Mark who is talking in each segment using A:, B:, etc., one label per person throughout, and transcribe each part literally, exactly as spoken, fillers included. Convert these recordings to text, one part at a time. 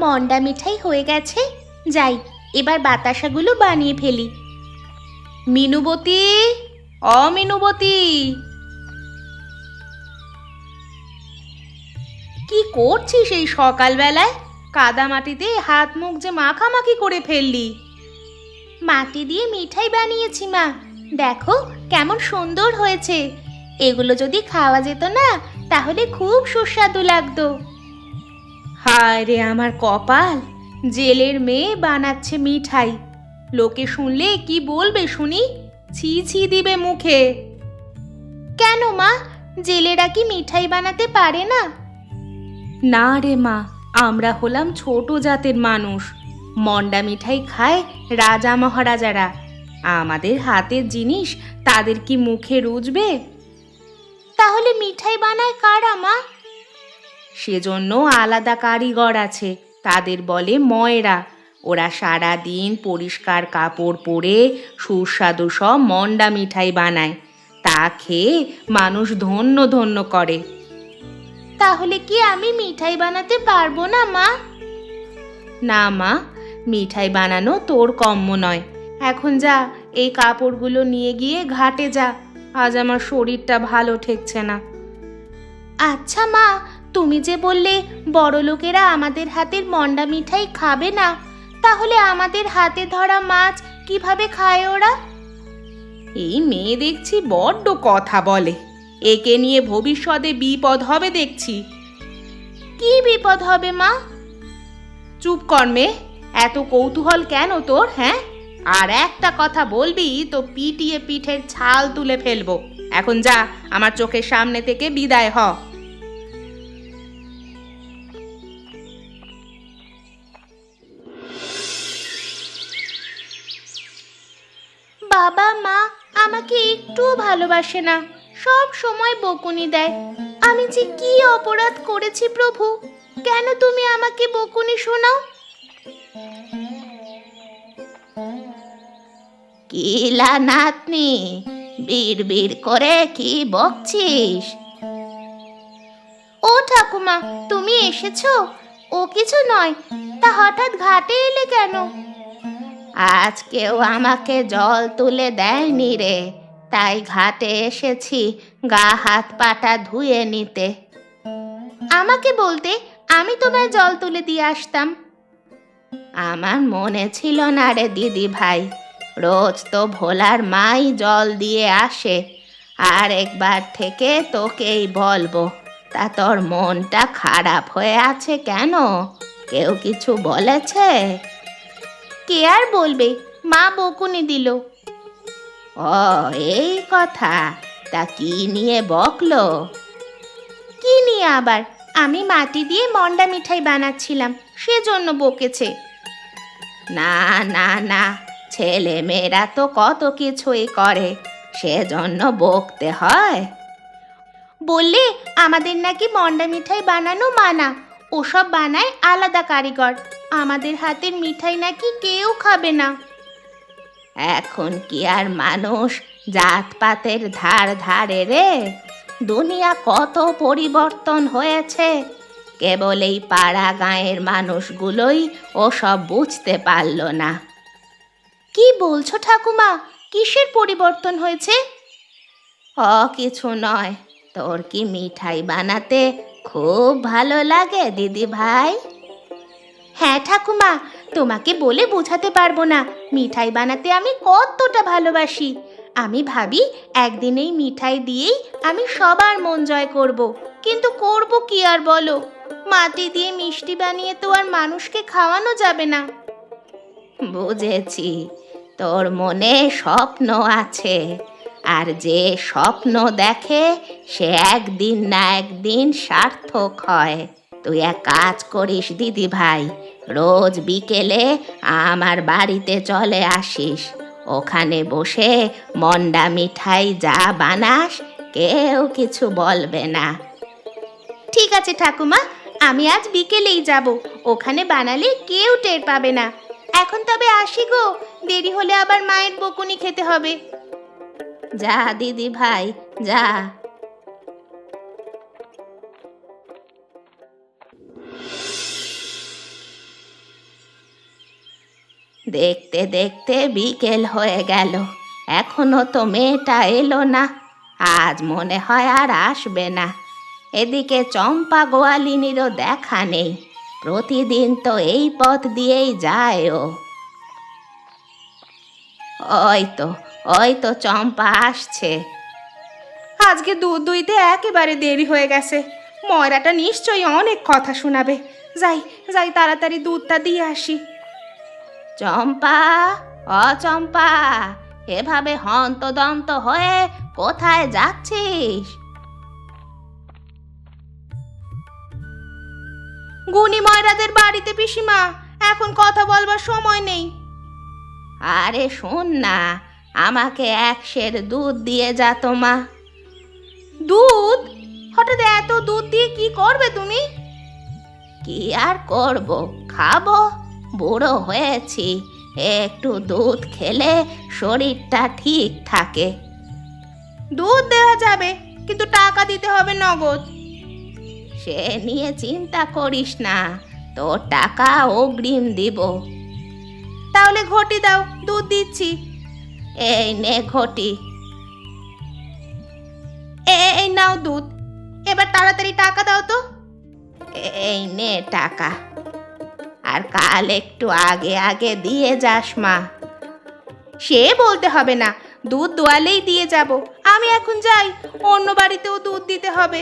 A: মন্ডা মিঠাই হয়ে গেছে। যাই, এবার বাতাসাগুলো বানিয়ে ফেলি। মিনুবতী, অমিনুবতী, কি করছিস এই সকালবেলায়? কাদা মাটিতে হাত মুখ যে মাখামাখি করে ফেললি। মাটি দিয়ে মিঠাই বানিয়েছি মা, দেখো কেমন সুন্দর হয়েছে। এগুলো যদি খাওয়া যেত না তাহলে খুব সুস্বাদু লাগতো। হায় রে আমার কপাল, জেলের মেয়ে বানাচ্ছে মিঠাই। লোকে শুনলে কি বলবে শুনি? ছি ছি দিবে মুখে। কেন মা, জেলেরা কি মিঠাই বানাতে পারে না? না রে মা, আমরা হলাম ছোট জাতের মানুষ। মন্ডা মিঠাই খায় রাজা মহারাজারা। আমাদের হাতের জিনিস তাদের কি মুখে রুজবে? তাহলে মিঠাই বানায় কারা মা? সেজন্য আলাদা কারিগর আছে, তাদের বলে ময়রা। ওরা সারা দিন পরিষ্কার কাপড় পরে সুস্বাদু সব মন্ডা মিঠাই বানায়। তা খেয়ে মানুষ ধন্য ধন্য করে। তাহলে কি আমি মিঠাই বানাতে পারবো না মা? না মা, মিঠাই বানানো তোর কম্ম নয়। এখন যা, এই কাপড়গুলো নিয়ে গিয়ে ঘাটে যা। আজ আমার শরীরটা ভালো ঠেকছে না। আচ্ছা মা, তুমি যে বললে বড় লোকেরা আমাদের হাতের মন্ডা মিঠাই খাবে না, তাহলে আমাদের হাতে ধরা মাছ কিভাবে খায় ওরা? এই মেয়ে দেখছি বড্ড কথা বলে। একে নিয়ে ভবিষ্যতে বিপদ হবে দেখছি। কি বিপদ হবে মা? চুপ কর মেয়ে, এত কৌতূহল কেন তোর? হ্যাঁ, আর একটা কথা বলবি তো পিটিয়ে পিঠের ছাল তুলে ফেলবো। এখন যা, আমার চোখের সামনে থেকে বিদায় হ। বাবা মা আমাকে একটুও ভালোবাসে না, সব সময় বকুনি দেয়। আমি যে কি অপরাধ করেছি প্রভু, কেন তুমি আমাকে বকুনি শোনাও? কিলা নাতনি, বীর বীর করে কি বকছিস? ও ঠাকুমা, তুমি এসেছো? ও কিছু নয়, তা হঠাৎ ঘাটে এলে কেন? আজ কেউ আমাকে জল তুলে দেয়নি রে, তাই ঘাটে এসেছি গা হাত পাটা ধুয়ে নিতে। আমাকে বলতে আমি তোমায় জল তুলে দিয়ে আসতাম। আমার মনে ছিল না রে দিদি ভাই, রোজ তো ভোলার মাই জল দিয়ে আসে। আর একবার থেকে তোকেই বলবো, তা তোর মনটা খারাপ হয়ে আছে কেন? কেউ কিছু বলেছে? কে আর বলবে, মা বকুনি দিল। ও এই কথা, তা কি নিয়ে বকলো? কি নিয়ে আবার? আমি মাটি দিয়ে মন্ডা মিঠাই বানাচ্ছিলাম, সেজন্য বকেছে। না না না, ছেলে মেয়েরা তো কত কিছুই করে, সেজন্য বকতে হয়? বললে আমাদের নাকি মন্ডা মিঠাই বানানো মানা, ওসব বানায় আলাদা কারিগর। আমাদের হাতের মিঠাই নাকি কেউ খাবে না। এখন কি আর মানুষ জাতপাতের ধার ধারে রে? দুনিয়া কত পরিবর্তন হয়েছে, কেবল এই পাড়া গাঁয়ের মানুষগুলোই ওসব বুঝতে পারল না। কি বলছো ঠাকুমা, কিসের পরিবর্তন হয়েছে? ও কিছু নয়, তোর কি মিঠাই বানাতে খুব ভালো লাগে দিদি ভাই? হ্যাঁ ঠাকুমা, তোমাকে বলে বোঝাতে পারবো না মিঠাই বানাতে আমি কতটা ভালোবাসি। আমি ভাবি একদিন এই মিঠাই দিয়েই আমি সবার মন জয় করব, কিন্তু করব কি আর বলো? মাটি দিয়ে মিষ্টি বানিয়ে তো আর মানুষকে খাওয়ানো যাবে না। বুঝেছি, তোর মনে স্বপ্ন আছে, আর যে স্বপ্ন দেখে সে একদিন না একদিন সার্থক হয়। তুই এক কাজ করিস দিদি ভাই, রোজ বিকেলে আমার বাড়িতে চলে আসিস। ওখানে বসে মন্ডা মিঠাই যা বানাস কেউ কিছু বলবে না। ঠিক আছে ঠাকুমা, আমি আজ বিকেলেই যাব, ওখানে বানালে কেউ টের পাবে না। এখন তবে আসি গো, দেরি হলে আবার মায়ের বকুনি খেতে হবে। যা দিদি ভাই যা। দেখতে দেখতে বিকেল হয়ে গেল, এখনো তো মেয়েটা এলো না। আজ মনে হয় আর আসবে না। এদিকে চম্পা গোয়ালিনীরও দেখা নেই, প্রতিদিন তো এই পথ দিয়েই যায় ও। ওই তো ওই তো চম্পা আসছে।
B: আজকে দুধ দুইতে একেবারে দেরি হয়ে গেছে। ময়রাটা নিশ্চয়ই অনেক কথা শোনাবে। যাই যাই তাড়াতাড়ি দুধটা দিয়ে আসি।
A: চম্পা, অ চম্পা, এভাবে হন্তদন্ত হয়ে কোথায় যাচ্ছিস?
B: গুণী ময়রাদের বাড়িতে পিসিমা, এখন কথা বলবার সময় নেই।
A: আরে শোন না, আমাকে এক সের দুধ দিয়ে যা তো মা।
B: দুধ? হঠাৎ এত দুধ দিয়ে কি করবে তুমি?
A: কি আর করব, খাবো। বুড়ো হয়েছি, একটু দুধ খেলে শরীরটা ঠিক থাকে।
B: দুধ দেওয়া যাবে, কিন্তু টাকা দিতে হবে নগদ।
A: সে নিয়ে চিন্তা করিস না, তোর টাকা অগ্রিম দিব।
B: তাহলে ঘটি দাও, দুধ দিচ্ছি।
A: এই নে ঘটি।
B: এ- এই নাও দুধ, এবার তাড়াতাড়ি টাকা দাও তো।
A: এই নে টাকা, আর কাল একটু আগে আগে দিয়ে যাস মা।
B: সে বলতে হবে না, দুধ দোয়ালেই দিয়ে যাব। আমি এখন যাই, অন্য বাড়িতেও দুধ দিতে হবে।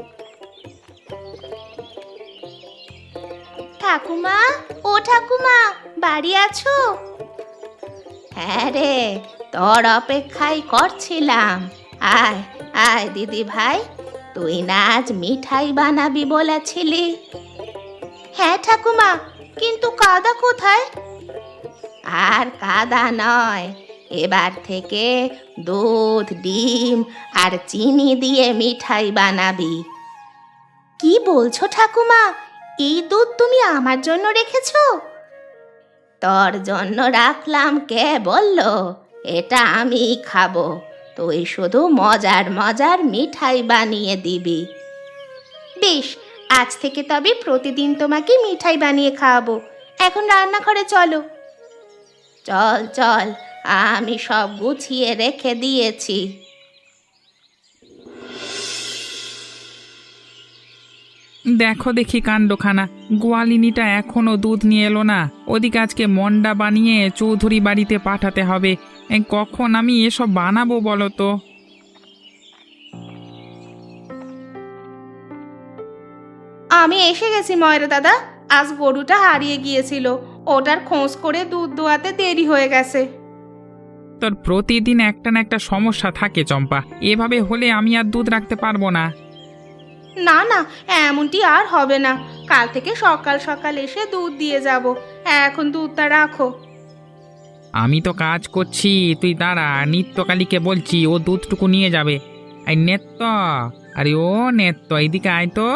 A: ঠাকুমা, ও ঠাকুমা, বাড়ি আছো? হ্যাঁ রে, তোর অপেক্ষাই করছিলাম। আয় আয় দিদি ভাই, তুই না আজ মিঠাই বানাবি বলেছিলি?
B: হ্যাঁ ঠাকুমা, কিন্তু কাদা কোথায়?
A: আর কাদা নয়, এবার থেকে দুধ, ডিম আর চিনি দিয়ে মিঠাই বানাবি।
B: কি বলছো ঠাকুমা? এই দুধ তুমি আমার জন্য রেখেছো?
A: তোর জন্য রাখলাম, কে বললো? এটা আমি খাবো, তুই শুধু মজার মজার মিঠাই বানিয়ে দিবি।
B: বেশ, আজ থেকে তবে প্রতিদিন তোমাকে মিঠাই বানিয়ে খাওয়াবো। এখন রান্নাঘরে চলো।
A: চল চল, আমি সব গুছিয়ে রেখে দিয়েছি।
C: দেখো দেখি কাণ্ডখানা, গোয়ালিনীটা এখনো দুধ নিয়ে এলো না। ওদিকে আজকে মন্ডা বানিয়ে চৌধুরী বাড়িতে পাঠাতে হবে। এ, কখন আমি এসব বানাবো বলো তো?
B: আমি এসে গেছি ময়রা দাদা। আজ গরুটা হারিয়ে গিয়েছিল, ওটার খোঁজ করে দুধ দোয়াতে দেরি হয়ে গেছে।
C: তোর প্রতিদিন একটা না একটা সমস্যা থাকে চম্পা, এভাবে হলে আমি আর দুধ রাখতে পারবো না।
B: না না, এমনটি আর হবে না। কাল থেকে সকাল সকাল এসে দুধ দিয়ে যাব। এখন দুধটা রাখো।
C: আমি তো কাজ করছি, তুই দাঁড়া, নিত্যকালীকে বলছি ও দুধটুকু নিয়ে যাবে। এই নেত্য, আরে ও নেত্য, এইদিকে আয় তো।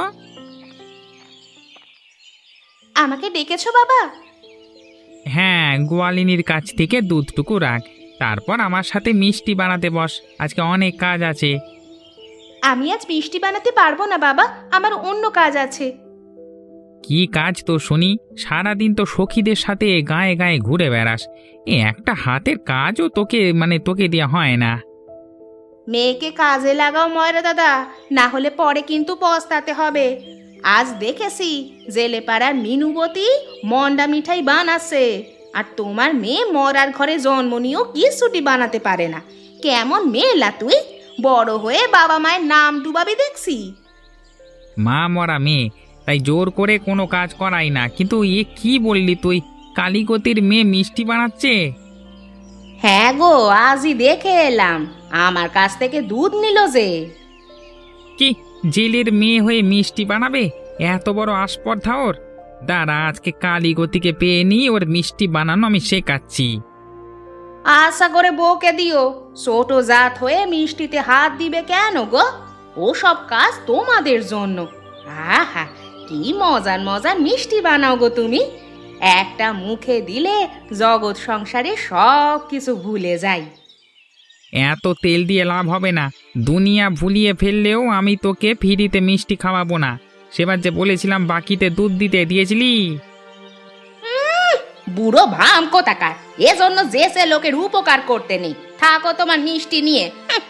B: আমাকে ডেকেছো বাবা?
C: হ্যাঁ, গোয়ালিনীর কাছ থেকে দুধটুকু রাখ, তারপর আমার সাথে মিষ্টি বানাতে বস, আজকে অনেক কাজ আছে।
B: আমি আজ মিষ্টি বানাতে পারবো না বাবা, আমার অন্য কাজ আছে।
C: কি কাজ তো শুনি? সারাদিন তো সখীদের সাথে গায়ে গায়ে ঘুরে বেড়াস, এ একটা হাতের কাজও তোকে মানে তোকে দেওয়া হয় না।
B: মেয়েকে কাজে লাগাও ময়রা দাদা, না হলে পরে কিন্তু পস্তাতে হবে। আজ দেখেছি জেলে পাড়ার মিনুবতী মন্ডা মিঠাই বানাচ্ছে, আর তোমার মেয়ে মরার ঘরে জন্ম নিয়েও কিছুটি বানাতে পারে না। কেমন মেয়েলা তুই, বড় হয়ে বাবা মায়ের নাম ডুবাবি দেখছি।
C: মা মরা মেয়ে, তাই জোর করে কোনো কাজ করাই না। কিন্তু এ কি বললি তুই, কালীগতির মেয়ে মিষ্টি বানাচ্ছে?
A: হ্যাঁ গো, আজই দেখে এলাম, আমার কাছ থেকে দুধ নিল যে।
C: কি, জেলের মেয়ে হয়ে মিষ্টি বানাবে? এত বড় আস্পর্ধা ওর! দাঁড়া, আজকে কালীগতিকে পেয়ে নি, ওর মিষ্টি বানানো আমি শেখাচ্ছি।
B: আশা করে বউকে দিও, ছোট জাত হয়ে মিষ্টিতে হাত দিবে কেন গো? ওসব কাজ তোমাদের জন্য। আহা, কি মজার মজার মিষ্টি বানাও গো তুমি। একটা মুখে দিলে জগৎ সংসারে সব কিছু ভুলে যাই।
C: এত তেল দিয়ে লাভ হবে না, দুনিয়া ভুলিয়ে ফেললেও আমি তোকে ফ্রিতে মিষ্টি খাওয়াবো না। সেবার যে বলেছিলাম বাকিতে দুধ দিতে দিয়েছিলি?
B: বুড়ো ভাম কোথাকার, এজন্য যে সে লোকের উপকার করতে নেই। থাকো তোমার মিষ্টি নিয়ে। হুঁ।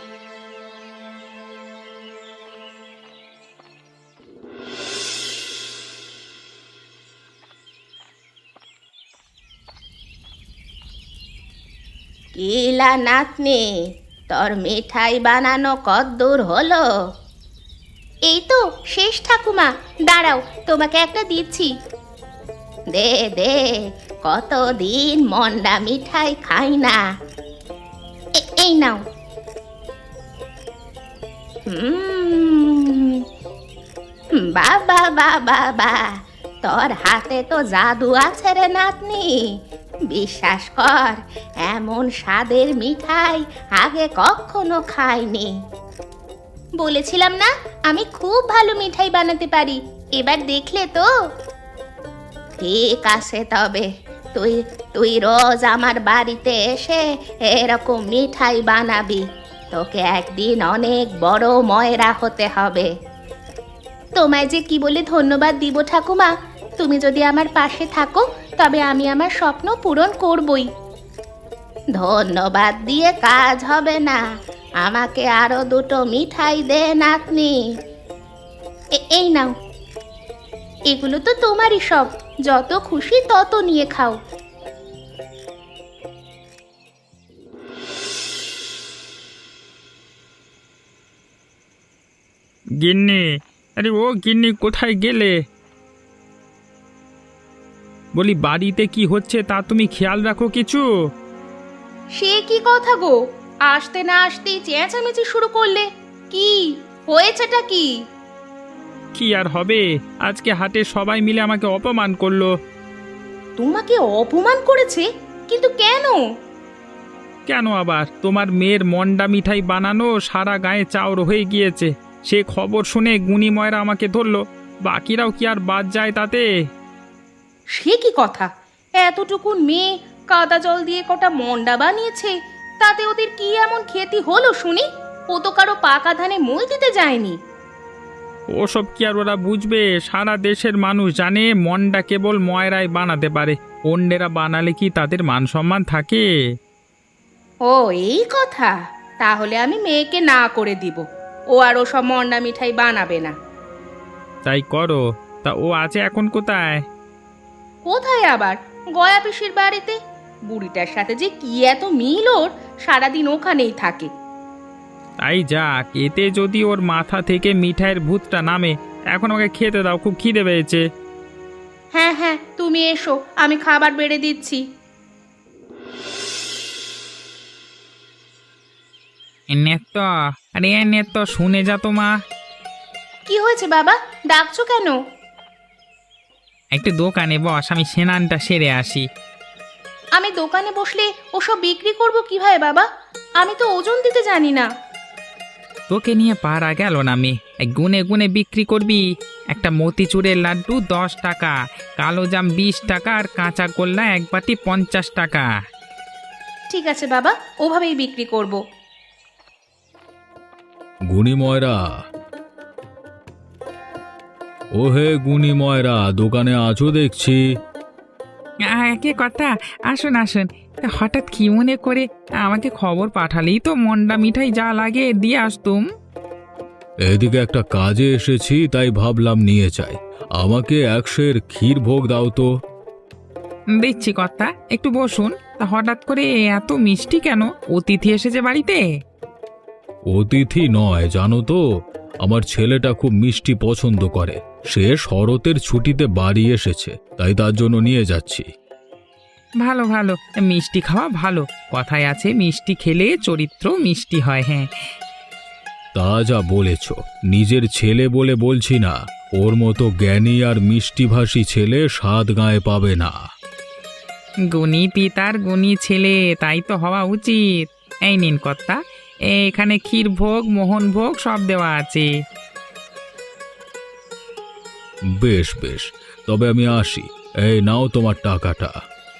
A: কিলা নাতনি, তোর মিঠাই বানানো কদ্দূর হলো? এই তো শেষ ঠাকুমা, দাঁড়াও তোমাকে একটা দিচ্ছি। দে দে, কতদিন মন্ডা মিঠাই খাই না। এ- এই নাও। হুম, বাবা বাবা বা, তোর হাতে তো জাদু আছে রে নাতনি। বিশ্বাস কর, এমন স্বাদের মিঠাই আগে কখনো খাইনি। বলেছিলাম না আমি খুব ভালো মিঠাই বানাতে পারি, এবার দেখলে তো। ঠিক আছে তবে, তুই তুই রোজ আমার বাড়িতে এসে এরকম মিঠাই বানাবি। তোকে একদিন অনেক বড় ময়রা হতে হবে। তোমায় যে কি বলে ধন্যবাদ দিব ঠাকুমা, তুমি যদি আমার পাশে থাকো তবে আমি আমার স্বপ্ন পূরণ করবই। ধন্যবাদ দিয়ে কাজ হবে না, আমাকে আরো দুটো মিঠাই দে নাতনি। এ- এই নাও, এগুলো তো তোমারই সব, যত খুশি তত নিয়ে খাও।
C: গিন্নি, আরে ও গিন্নি, কোথায় গেলে? বলি, বাড়িতে কি হচ্ছে তা তুমি খেয়াল রাখো কিছু?
B: সে কি কথা গো, আসতে না আসতেই চেঁচামেচি শুরু করলে। কি হয়েছেটা কি?
C: কি আর হবে, আজকে হাটে সবাই মিলে আমাকে অপমান করলো।
B: তোমাকে অপমান করেছে? কিন্তু কেন?
C: কেন আবার, তোমার মেয়ের মন্ডা মিঠাই বানানো সারা গায়ে চাউর হয়ে গিয়েছে। সে খবর শুনে গুণী ময়রা আমাকে ধরলো, বাকিরাও কি আর বাদ যায় তাতে?
B: সে কি কথা, এতটুকুন মেয়ে কাদা জল দিয়ে কটা মন্ডা বানিয়েছে, তাতে ওদের কি এমন ক্ষতি হলো শুনি? ও তো কারো পাকা ধানে মই দিতে যায়নি।
C: ওসব কি আর ওরা বুঝবে? সারা দেশের মানুষ জানে মন্ডা কেবল ময়রাই বানাতে পারে, অন্যেরা বানালে কি তাদের মান সম্মান থাকে?
B: ও এই কথা, তাহলে আমি মেয়েকে না করে দিব, ও আর ওসব মন্ডা মিঠাই বানাবে না।
C: তাই করো। তা ও আছে এখন কোথায়?
B: কোথায় আবার, গয়া পিসির বাড়িতে। বুড়িটার সাথে যে কি এত মিল ওর, সারাদিন ওখানেই থাকে।
C: তাই যাক, এতে যদি ওর মাথা থেকে মিঠাইয়ের ভূতটা নামে। এখন ওকে খেতে দাও, খুব খিদে পেয়েছে।
B: হ্যাঁ হ্যাঁ, তুমি এসো, আমি খাবার বেড়ে দিচ্ছি।
C: নেত্য, আরে নেত্য, শুনে যা তো মা।
B: কি হয়েছে বাবা, ডাকছো কেন?
C: একটু দোকানে বস, আমি স্নানটা সেরে আসি।
B: আমি দোকানে বসলে ওসব বিক্রি করব কিভাবে বাবা? আমি তো ওজন দিতে জানি না।
C: তোকে নিয়ে পারা গেল না মে, গুনে গুনে বিক্রি করবি। একটা মতিচুরের লাড্ডু দশ টাকা, কালো জাম বিশ টাকা, আর কাঁচা গোল্লা এক বাটি পঞ্চাশ টাকা।
B: ঠিক আছে বাবা, ওভাবেই বিক্রি করব।
D: গুণী ময়রা, ও হে গুণী ময়রা, দোকানে আছো দেখছি।
C: আহ, কে কথা, আসুন আসুন। তা হঠাৎ কি মনে করে আমাকে খবর পাঠালেই তো মন্ডা মিঠাই যা লাগে দিয়ে আসতুম।
D: এদিকে একটা কাজে এসেছি, তাই ভাবলাম নিয়ে যাই। আমাকে একশের ক্ষীর ভোগ দাও তো।
C: দিচ্ছি কর্তা, একটু বসুন। তা হঠাৎ করে এত মিষ্টি কেন? অতিথি এসেছে বাড়িতে?
D: অতিথি নয়, জানো তো, আমার ছেলেটা খুব মিষ্টি পছন্দ করে। সে শরতের ছুটিতে বাড়ি এসেছে, তাই তার জন্য নিয়ে যাচ্ছি।
C: ভালো ভালো, মিষ্টি খাওয়া ভালো। কথায় আছে মিষ্টি খেলে চরিত্র মিষ্টি হয়। হ্যাঁ,
D: তা যা বলেছ, নিজের ছেলে বলে বলছি না। ওর মতো জ্ঞানী আর মিষ্টিভাষী ছেলে সাত গায়ে পাবে না।
C: গুণী পিতার গুণী ছেলে, তাই তো হওয়া উচিত। এই নিন কর্তা, এখানে ক্ষীর ভোগ, মোহন ভোগ সব দেওয়া আছে।
D: বেশ বেশ, তবে আমি আসি। এই নাও তোমার টাকাটা।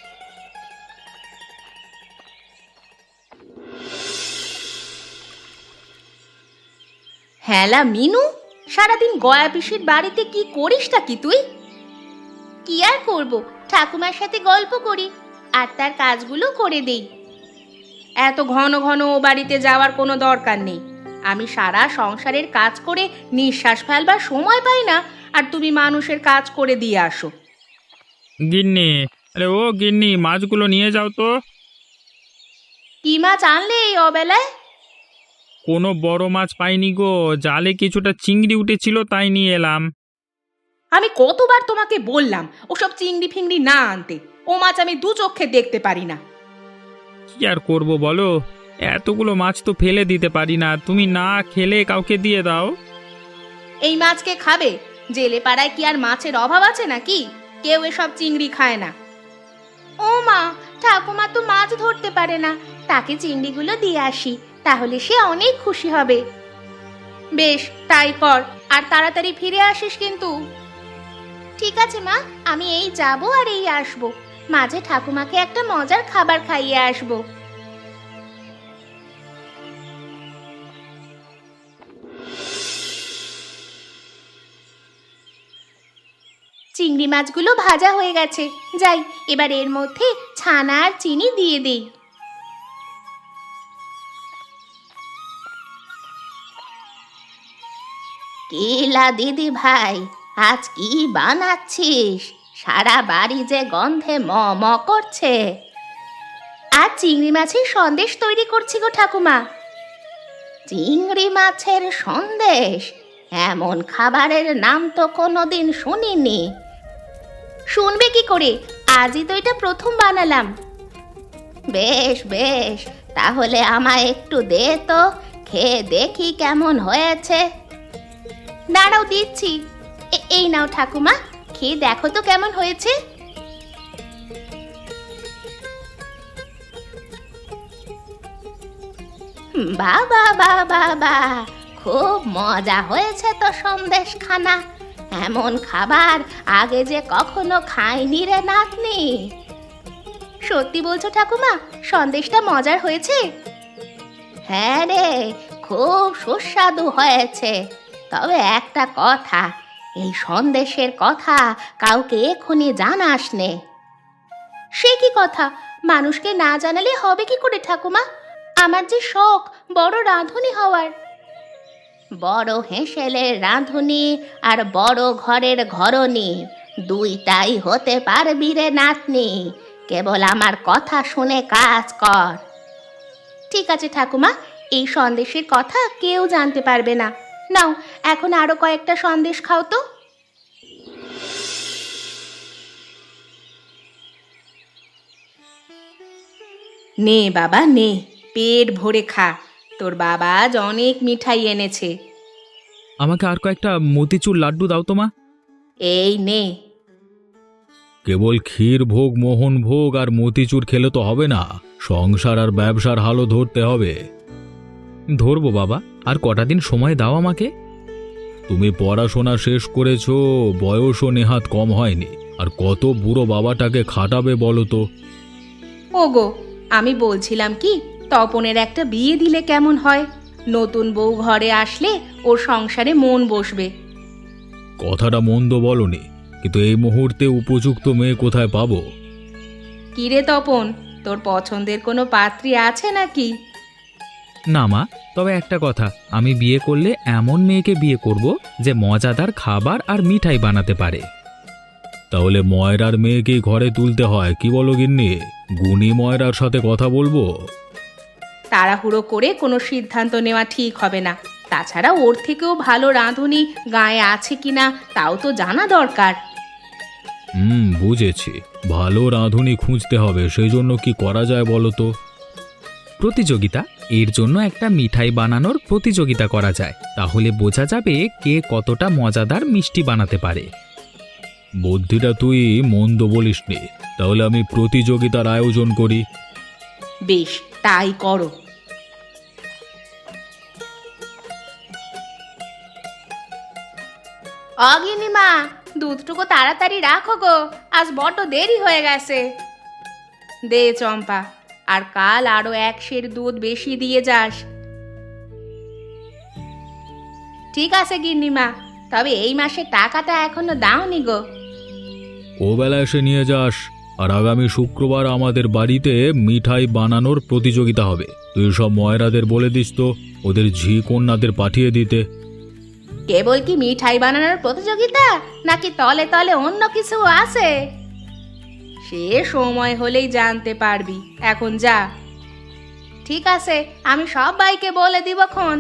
B: হ্যালা মিনু, সারাদিন গয়া পিসির বাড়িতে কি করিসটা কি তুই? কি আর করব,
A: ঠাকুমার সাথে গল্প করি আর তার কাজগুলো করে দেই।
B: এত ঘন ঘন ও বাড়িতে যাওয়ার কোনো দরকার নেই। আমি সারা সংসারের কাজ করে নিঃশ্বাস ফেলবার সময় পাই না, আর তুমি মানুষের কাজ করে দিয়ে আসো।
C: গিন্নি, আরে ও গিন্নি, মাছগুলো নিয়ে যাও তো।
B: কি মাছ আনলে এই অবেলায়?
C: কোনো বড় মাছ পাইনি গো, জালে কিছুটা চিংড়ি উঠেছিল তাই নিয়ে এলাম।
B: আমি কতবার তোমাকে বললাম ওসব চিংড়ি ফিংড়ি না আনতে। ও মাছ আমি দু চোখে দেখতে পারি না।
C: কি আর করবো বলো, এতগুলো মাছ তো ফেলে দিতে পারি না, তুমি না খেলে কাউকে দিয়ে দাও।
B: এই মাছকে খাবে? জেলে পাড়ায় কি আর মাছের অভাব আছে নাকি? কেউ এসব চিংড়ি খায় না।
A: ও মা, ঠাকুমা তো মাছ ধরতে পারে না, তাকে চিংড়িগুলো দিয়ে আসি, তাহলে সে অনেক খুশি হবে।
B: বেশ, তাই কর, আর তাড়াতাড়ি ফিরে আসিস কিন্তু।
A: ঠিক আছে মা, আমি এই যাব আর এই আসবো, মাঝে ঠাকুমাকে একটা মজার খাবার খাইয়ে আসবো। চিংড়ি মাছগুলো ভাজা হয়ে গেছে, যাই এবার এর মধ্যে ছানা আর চিনি দিয়ে দেই। কেলা দিদি ভাই, আজ কি বানাচ্ছিস? সারা বাড়ি যে গন্ধে ম ম করছে। আজ চিংড়ি মাছের সন্দেশ তৈরি করছি গো ঠাকুমা। চিংড়ি মাছের সন্দেশ? এমন খাবারের নাম তো কোনোদিন শুনিনি। শুনবে কি করে, আজই তো এটা প্রথম বানালাম। বেশ বেশ, তাহলে আমায় একটু দে তো, খেয়ে দেখি কেমন হয়েছে। দাঁড়াও দিচ্ছি। এ- এই নাও ঠাকুমা, খেয়ে দেখো তো কেমন হয়েছে। বাবা বাবা বা, খুব মজা হয়েছে তো সন্দেশ খানা। এমন খাবার আগে যে কখনো খাইনি রে নাতনি। সত্যি বলছো ঠাকুমা, সন্দেশটা মজার হয়েছে? হ্যাঁ রে, খুব সুস্বাদু হয়েছে। তবে একটা কথা, এই সন্দেশের কথা কাউকে এখনই জানাস নে। সে কি কথা? মানুষকে না জানালে হবে কি করে ঠাকুমা? আমার যে শখ বড় রাঁধুনি হওয়ার। বড় হেঁসেলের রাঁধুনি আর বড় ঘরের ঘরনি দুইটাই হতে পারবি রে নাতনি, কেবল আমার কথা শুনে কাজ কর। ঠিক আছে ঠাকুমা, এই সন্দেশের কথা কেউ জানতে পারবে না। নাও, এখন আরো কয়েকটা সন্দেশ খাও তো।
B: নে বাবা নে, পেট ভরে খা। তোর বাবা আজ অনেক মিঠাই এনেছে।
D: আমাকে আর কয়েকটা মতিচুর লাড্ডু দাও তো মা।
B: এই নে।
D: কেবল ক্ষীর ভোগ, মোহন ভোগ আর মতিচুর খেলে তো হবে না, সংসার আর ব্যবসার হালও ধরতে হবে। ধরবো বাবা, আর কটা দিন সময় দাও আমাকে। তুমি পড়াশোনা শেষ করেছো, বয়সও নেহাত কম হয়নি, আর কত বুড়ো বাবাটাকে খাটাবে বলো তো।
B: ওগো, আমি বলছিলাম কি, তপনের একটা বিয়ে দিলে কেমন হয়? নতুন বউ ঘরে আসলে ওর সংসারে মন বসবে।
D: কথাটা মন্দ বলনি, কিন্তু এই মুহূর্তে উপযুক্ত মেয়ে কোথায় পাবো?
B: কিরে তপন, তোর পছন্দের কোনো পাত্রী আছে নাকি?
C: না মা, তবে একটা কথা, আমি বিয়ে করলে এমন মেয়েকে বিয়ে করব যে মজাদার খাবার আর মিঠাই বানাতে পারে।
D: তাহলে ময়রার মেয়েকেই ঘরে তুলতে হয়, কি বলো গিন্নি? গুণী ময়রার সাথে কথা বলবো।
B: তাড়াহুড়ো করে কোনো সিদ্ধান্ত নেওয়া ঠিক হবে না। তাছাড়া ওর থেকেও ভালো রাঁধুনি গায়ে আছে কিনা তাও তো জানা দরকার।
D: হুম, বুঝেছি। ভালো রাঁধুনি খুঁজতে হবে, সেই জন্য কি করা যায় বলো তো?
C: প্রতিযোগিতা, এর জন্য একটা মিঠাই বানানোর প্রতিযোগিতা করা যায়, তাহলে বোঝা যাবে কে কতটা মজাদার মিষ্টি বানাতে পারে।
D: বুদ্ধিটা তুই মন্দ বলিসনি, তাহলে আমি প্রতিযোগিতার আয়োজন করি।
B: বেশ, তাই করো।
A: অগিনিমা, দুধটুকু তাড়াতাড়ি রাখো গো, আজ বড্ড দেরি হয়ে গেছে।
B: দে চম্পা, আর কাল আরো এক সের দুধ বেশি দিয়ে যাস। ঠিক আছে গিন্নিমা, তবে এই মাসের টাকাটা এখনো দাওনি গো।
D: ও বেলা এসে নিয়ে যাস। আর আগামী শুক্রবার আমাদের বাড়িতে মিঠাই বানানোর প্রতিযোগিতা হবে। তুই সব ময়রাদের বলে দিস তো ওদের ঝি কন্যাদের পাঠিয়ে দিতে।
B: কেবল কি মিঠাই বানানোর প্রতিযোগিতা, নাকি তলে তলে অন্য কিছু আছে? সে সময় হলেই জানতে পারবি, এখন যা। ঠিক আছে, আমি সব ভাইকে বলে দিবক্ষণ।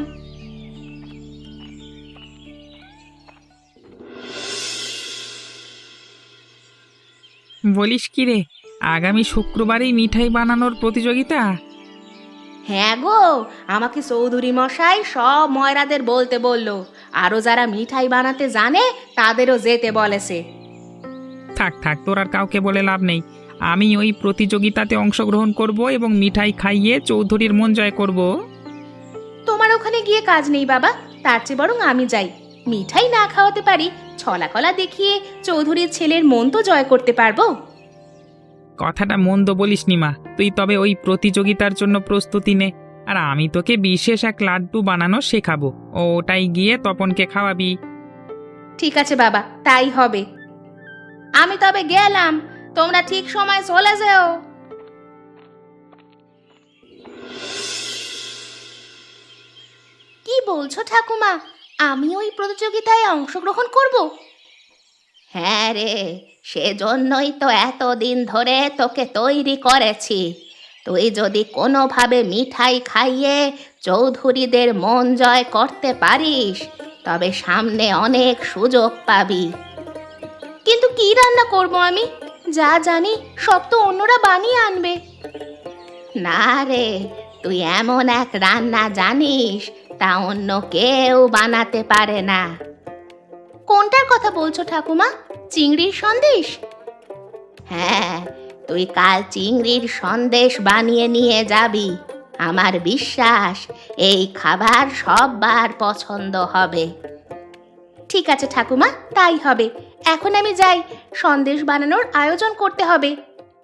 C: বলিস কি রে, আগামী শুক্রবারেই মিঠাই বানানোর প্রতিযোগিতা?
B: হ্যাঁ গো, আমাকে চৌধুরী মশাই সব ময়রাদের বলতে বললো। আরো যারা মিঠাই বানাতে জানে তাদেরও যেতে বলেছে।
C: থাক থাক, তোর আর কাউকে বলে লাভ নেই। আমি ওই প্রতিযোগিতাতে অংশগ্রহণ করব এবং মিঠাই খাইয়ে চৌধুরীর মন জয় করব।
B: তোমার ওখানে গিয়ে কাজ নেই বাবা, তার চেয়ে বরং আমি যাই। মিঠাই না খাওয়াতে পারি, ছলাকলা দেখিয়ে চৌধুরীর ছেলের মন তো জয় করতে পারবো।
C: কথাটা মন্দ বলিস নি মা, তুই তবে ওই প্রতিযোগিতার জন্য প্রস্তুতি নে। আর আমি তোকে বিশেষ এক লাড্ডু বানানো শেখাবো, ও ওটাই গিয়ে তপনকে খাওয়াবি।
B: ঠিক আছে বাবা, তাই হবে। আমি তবে গেলাম, তোমরা ঠিক সময় চলে যেও।
A: কি বলছো ঠাকুমা, আমি ওই প্রতিযোগিতায় অংশগ্রহণ করব? হ্যাঁ রে, সেজন্যই তো এতদিন ধরে তোকে তৈরি করেছি। তুই যদি কোনোভাবে মিঠাই খাইয়ে চৌধুরীদের মন জয় করতে পারিস, তবে সামনে অনেক সুযোগ পাবি।
B: কিন্তু কি রান্না করব আমি? যা জানি সব তো অন্যরা বানিয়ে আনবে।
A: না রে, তুই এমন এক রান্না জানিস তা অন্য কেউ বানাতে পারে না।
B: কোনটার কথা বলছো ঠাকুমা? চিংড়ির সন্দেশ?
A: হ্যাঁ, তুই কাল চিংড়ির সন্দেশ বানিয়ে নিয়ে যাবি। আমার বিশ্বাস এই খাবার সবার পছন্দ হবে।
B: ঠিক আছে ঠাকুমা, তাই হবে। এখন আমি যাই, সন্দেশ বানানোর আয়োজন করতে হবে।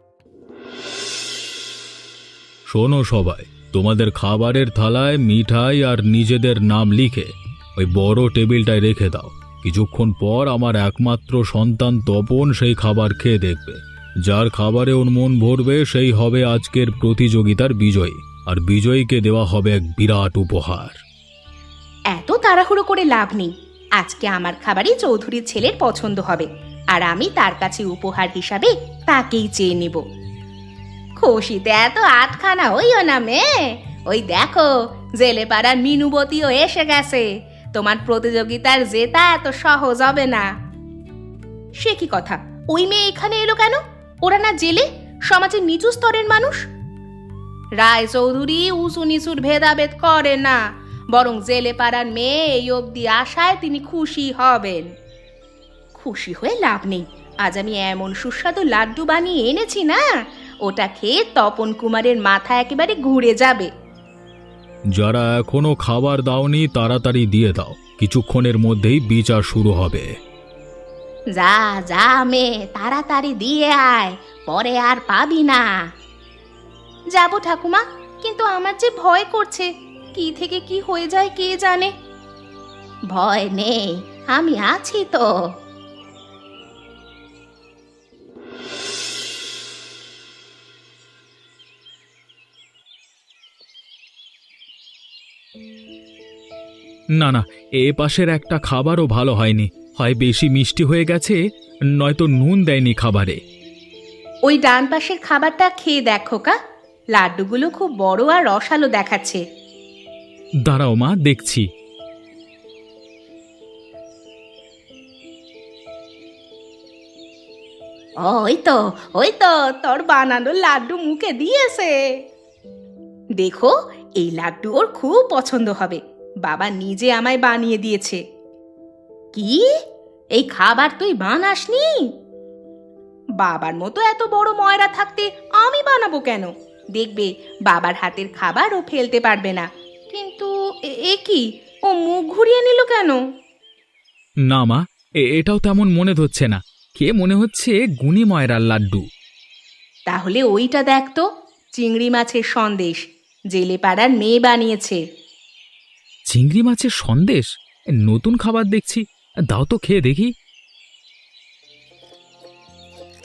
D: শোনো সবাই, তোমাদের খাবারের থালায় মিঠাই আর নিজেদের নাম লিখে ওই বড় টেবিলটায় রেখে দাও। কিছুক্ষণ পর আমার একমাত্র সন্তান তপন সেই খাবার খেয়ে দেখবে। যার খাবারে ওর মন ভরবে সেই হবে আজকের প্রতিযোগিতার বিজয়ী, আর বিজয়ীকে দেওয়া হবে এক বিরাট উপহার।
B: এত তাড়াহুড়ো করে লাভ নেই। আজকে আমার খাবারই চৌধুরীর ছেলের পছন্দ হবে, আর আমি তার কাছে উপহার হিসাবে তাকেই চেয়ে নেব। খুশিতে এত আটখানা হইও না মেয়ে। ওই দেখো, জেলে পাড়ার মিনুবতীও এসে গেছে। তোমার প্রতিযোগিতার জেতা এত সহজ হবে না। সে কি কথা, ওই মেয়ে এখানে এলো কেন? ওরা না জেলে, সমাজের নিচু স্তরের মানুষ? রায় চৌধুরী উঁচু নিচুর ভেদাভেদ করে না, বরং জেলে পাড়ার মেয়ে এই অবধি আশায় তিনি খুশি হবেন। খুশি হয়ে লাভ নেই। আজ আমি এমন সুস্বাদু লাড্ডু বানিয়ে এনেছি না, ওটা খেয়ে তপন কুমারের মাথা একেবারে ঘুরে যাবে।
D: যারা এখনো খাবার দাওনি তাড়াতাড়ি দিয়ে দাও, কিছুক্ষণের মধ্যেই বিচার শুরু হবে।
A: যা যা মেয়ে, তাড়াতাড়ি দিয়ে আয়, পরে আর পাবি না।
B: যাব ঠাকুমা, কিন্তু আমার যে ভয় করছে, কি থেকে কি হয়ে যায় কে জানে।
A: ভয় নেই, আমি আছি তো।
D: না না, এ পাশের একটা খাবারও ভালো হয়নি। হয় বেশি মিষ্টি হয়ে গেছে, নয়তো নুন দেয়নি খাবারে।
B: ওই ডান পাশের খাবারটা খেয়ে দেখো কা, লাড্ডুগুলো খুব বড় আর রসালো দেখাচ্ছে।
D: দাঁড়াও মা, দেখছি।
B: ওই তো ওই তো তোর বানানো লাড্ডু মুখে দিয়েছে। দেখো, এই লাড্ডু ওর খুব পছন্দ হবে। বাবা নিজে আমায় বানিয়ে দিয়েছে। কি, এই খাবার তুই বানাসনি? বাবার মতো এত বড় ময়রা থাকতে আমি বানাবো কেন? দেখবে, বাবার হাতের খাবার ও ফেলতে পারবে না। কিন্তু এ- এ কি, ও মুখ ঘুরিয়ে নিল কেন?
D: না মা, এ- এটাও তেমন মনে হচ্ছে না। কে মনে হচ্ছে গুণী ময়রার লাড্ডু।
B: তাহলে ওইটা দেখ তো, চিংড়ি মাছের সন্দেশ, জেলে পাড়ার মেয়ে বানিয়েছে।
D: চিংড়ি মাছের সন্দেশ? নতুন খাবার দেখছি, দাও তো খেয়ে দেখি।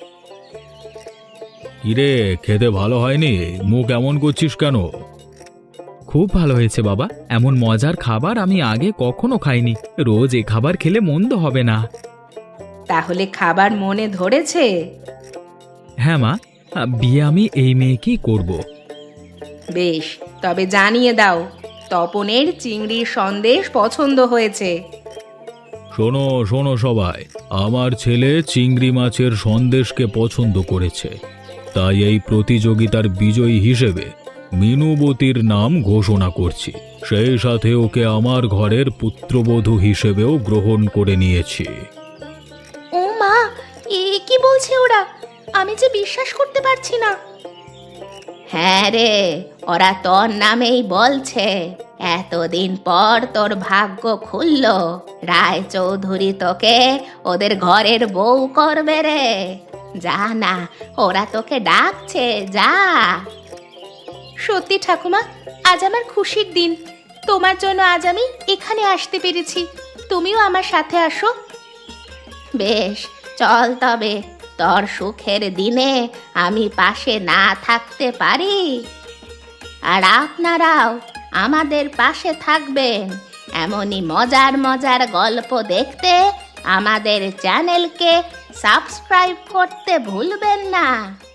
D: কিরে, খেতে ভালো হয়নি? মুখ এমন করছিস কেন?
C: খুব ভালো হয়েছে বাবা, এমন মজার খাবার আমি আগে কখনো খাইনি। রোজ এ খাবার খেলে মন্দ হবে না।
B: তাহলে খাবার মনে ধরেছে?
C: হ্যাঁ মা, বিয়ে আমি এই মেয়েকেই করব।
B: বেশ, তবে জানিয়ে দাও তপনের চিংড়ির সন্দেশ পছন্দ হয়েছে।
D: শোনো শোনো সবাই, আমার ছেলে চিংড়ি মাছের সন্দেশকে পছন্দ করেছে, তাই এই প্রতিযোগিতার বিজয়ী হিসেবে মিনুবতীর নাম ঘোষণা করছি। সেই সাথে ওকে আমার ঘরের পুত্রবধূ হিসেবেও গ্রহণ করে নিয়েছি।
A: ও মা, এ কি বলছে ওরা? আমি যে বিশ্বাস করতে পারছি না। হ্যাঁ রে, ওরা তোর নামেই বলছে। এতদিন পর তোর ভাগ্য খুলল, রায় চৌধুরী তোকে ওদের ঘরের বউ করবে রে। যা না, ওরা তোকে ডাকছে, যা।
B: সত্যি ঠাকুমা, আজ আমার খুশির দিন। তোমার জন্য আজ আমি এখানে আসতে পেরেছি। তুমিও আমার সাথে আসো।
A: বেশ, চল তবে। তোর সুখের দিনে আমি পাশে না থাকতে পারি? আর আপনারাও আমাদের পাশে থাকবেন। এমনই মজার মজার গল্প দেখতে আমাদের চ্যানেলকে সাবস্ক্রাইব করতে ভুলবেন না।